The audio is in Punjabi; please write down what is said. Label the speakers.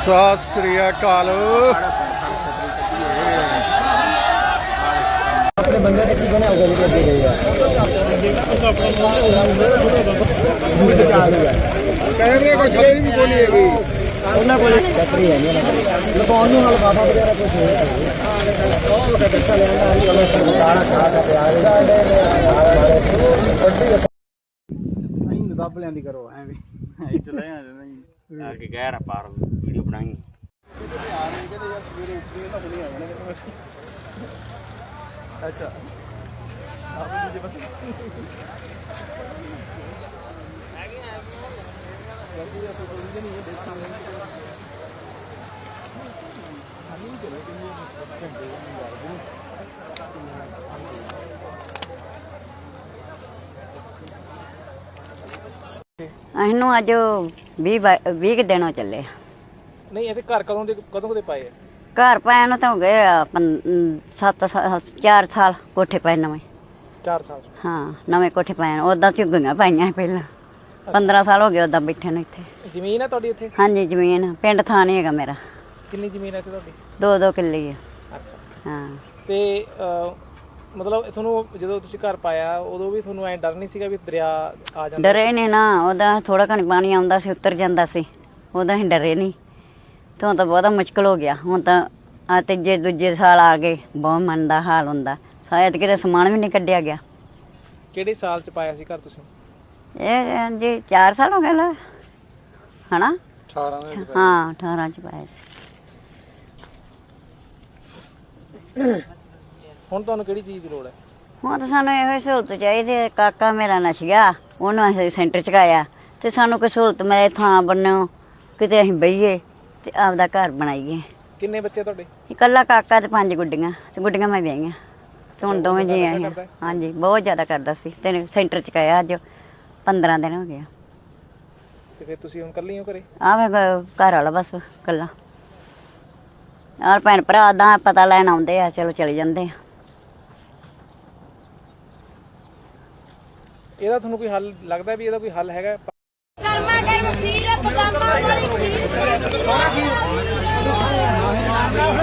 Speaker 1: ਸਤਿ ਸ੍ਰੀ ਅਕਾਲ।
Speaker 2: ਆਪਣੇ ਬੰਦੇ ਨੇ ਕੀ ਬਣਿਆ ਹੋਗਾ ਜਿਹੜੇ ਅੱਗੇ ਗਏ ਆ
Speaker 1: ਕਹਿੰਦੇ ਕੋਈ ਛੱਡੀ ਵੀ ਬੋਲੀ ਹੈਗੀ
Speaker 2: ਉਹਨਾਂ ਕੋਲ ਚੱਕਰੀ ਹੈ ਨਹੀਂ ਲਗਾਉਣ ਨੂੰ ਹਲ ਬਾਬਾ ਵਗੈਰਾ ਕੁਝ ਹੋਇਆ ਉਹ ਤਾਂ ਦੱਸਿਆ ਲੈਂਦਾ ਸੀ ਉਹਨਾਂ ਸਰਦਾਰਾ ਖਾ ਕੇ ਪਿਆਰ ਨਹੀਂ ਦੱਬ ਲੈਂਦੀ ਕਰੋ ਐਵੇਂ ਇੱਥੇ ਲੈ ਆ ਜਾਂਦਾ ਆ ਕੇ ਕਹਿ ਰਾ ਪਾਰ ਵੀਡੀਓ ਬਣਾਈ
Speaker 1: ਅੱਛਾ ਆਪ ਜੀ ਬਸ
Speaker 3: ਇਹਨੂੰ ਅੱਜ 20 ਦਿਨ ਹੋ ਚੱਲੇ।
Speaker 2: ਨਹੀਂ ਇਹ ਘਰ ਕਦੋਂ ਦੇ ਪਾਏ ਆ
Speaker 3: ਘਰ ਪਾਇਆ ਨੂੰ ਤਾਂ ਹੋ ਗਏ 4 ਸਾਲ ਕੋਠੇ ਪਾਏ ਨਵੇਂ
Speaker 2: 4 ਸਾਲ
Speaker 3: ਹਾਂ ਨਵੇਂ ਕੋਠੇ ਪਾਏ ਉਦਾਂ ਝੁੱਗੀਆਂ ਪਾਈਆਂ ਪਹਿਲਾਂ 15 ਸਾਲ ਹੋ ਗਏ ਉਦਾਂ ਬੈਠੇ ਨੂੰ ਇੱਥੇ।
Speaker 2: ਜ਼ਮੀਨ ਹੈ ਤੁਹਾਡੀ ਇੱਥੇ?
Speaker 3: ਹਾਂਜੀ ਜ਼ਮੀਨ ਪਿੰਡ ਥਾਂ ਨਹੀਂ ਹੈਗਾ ਮੇਰਾ।
Speaker 2: ਕਿੰਨੀ ਜ਼ਮੀਨ ਹੈ ਇੱਥੇ ਤੁਹਾਡੀ?
Speaker 3: 2-2 ਕਿੱਲੇ ਆ।
Speaker 2: ਅੱਛਾ
Speaker 3: ਹਾਂ
Speaker 2: ਤੇ ਮਤਲਬ ਤੁਹਾਨੂੰ ਜਦੋਂ ਤੁਸੀਂ ਘਰ ਪਾਇਆ ਉਦੋਂ ਵੀ ਤੁਹਾਨੂੰ ਐ ਡਰ ਨਹੀਂ ਸੀਗਾ ਵੀ ਦਰਿਆ ਆ ਜਾਂਦਾ?
Speaker 3: ਡਰੇ ਨੇ ਨਾ ਉਹਦਾ ਥੋੜਾ ਘਣੀ ਪਾਣੀ ਆਉਂਦਾ ਸੀ ਉਤਰ ਜਾਂਦਾ ਸੀ ਉਹਦਾ ਅਸੀਂ ਡਰੇ ਨਹੀਂ ਤੇ ਹੁਣ ਤਾਂ ਬਹੁਤਾ ਮੁਸ਼ਕਿਲ ਹੋ ਗਿਆ। ਹੁਣ ਤਾਂ ਆ ਤੀਜੇ ਦੂਜੇ ਸਾਲ ਆ ਗਏ ਬਹੁਤ ਮਨ ਦਾ ਹਾਲ ਹੁੰਦਾ ਸ਼ਾਇਦ ਕਿਤੇ ਸਮਾਨ ਵੀ ਨਹੀਂ ਕੱਢਿਆ ਗਿਆ।
Speaker 2: ਕਿਹੜੇ ਸਾਲ ਚ ਪਾਇਆ ਸੀ ਘਰ ਤੁਸੀਂ?
Speaker 3: ਇਹ ਜੀ 4 ਸਾਲ ਹੋ ਗਏ ਲਾ ਹਨਾ
Speaker 1: 18 ਦੇ
Speaker 3: ਹਾਂ 18 ਚ ਪਾਇਆ ਸੀ।
Speaker 2: ਹੁਣ ਤੁਹਾਨੂੰ ਕਿਹੜੀ ਚੀਜ਼ ਦੀ ਲੋੜ ਹੈ?
Speaker 3: ਹੁਣ ਤਾਂ ਸਾਨੂੰ ਇਹੋ ਸਹੂਲਤ ਚਾਹੀਦੀ ਹੈ। ਕਾਕਾ ਮੇਰਾ ਨੱਸ ਗਿਆ ਉਹਨੂੰ ਅਸੀਂ ਸੈਂਟਰ 'ਚ ਕਾਇਆ ਤੇ ਸਾਨੂੰ ਕੋਈ ਸਹੂਲਤ ਮਿਲੇ ਥਾਂ ਬਣੋ ਕਿਤੇ ਅਸੀਂ ਬਈਏ ਤੇ ਆਪਦਾ ਘਰ ਬਣਾਈਏ।
Speaker 2: ਕਿੰਨੇ ਬੱਚੇ ਤੁਹਾਡੇ?
Speaker 3: ਇਕੱਲਾ ਕਾਕਾ ਤੇ 5 ਗੁੱਡੀਆਂ ਤੇ ਗੁੱਡੀਆਂ ਮੈਂ ਵਿਆਹੀਆਂ ਤੇ ਹੁਣ ਦੋਵੇਂ ਜੀ ਆਏ ਹਾਂ। ਹਾਂਜੀ ਬਹੁਤ ਜ਼ਿਆਦਾ ਕਰਦਾ ਸੀ ਤੇ ਸੈਂਟਰ 'ਚ ਕਾਇਆ ਅੱਜ 15 ਦਿਨ ਹੋ ਗਏ।
Speaker 2: ਤੇ ਫਿਰ ਤੁਸੀਂ ਹੁਣ ਇਕੱਲੇ ਹੋ ਘਰੇ?
Speaker 3: ਆਹ ਘਰ ਵਾਲਾ ਬਸ ਇਕੱਲਾ ਯਾਰ ਭੈਣ ਭਰਾ ਦਾ ਪਤਾ ਲੈਣ ਆਉਂਦੇ ਆ ਚਲੋ ਚਲੇ ਜਾਂਦੇ ਆ।
Speaker 2: ਇਹਦਾ ਤੁਹਾਨੂੰ ਕੋਈ ਹੱਲ ਲੱਗਦਾ ਵੀ ਇਹਦਾ ਕੋਈ ਹੱਲ ਹੈਗਾ?
Speaker 4: ਗਰਮਾ ਗਰਮ ਖੀਰ ਬਦਾਮਾਂ ਵਾਲੀ ਖੀਰ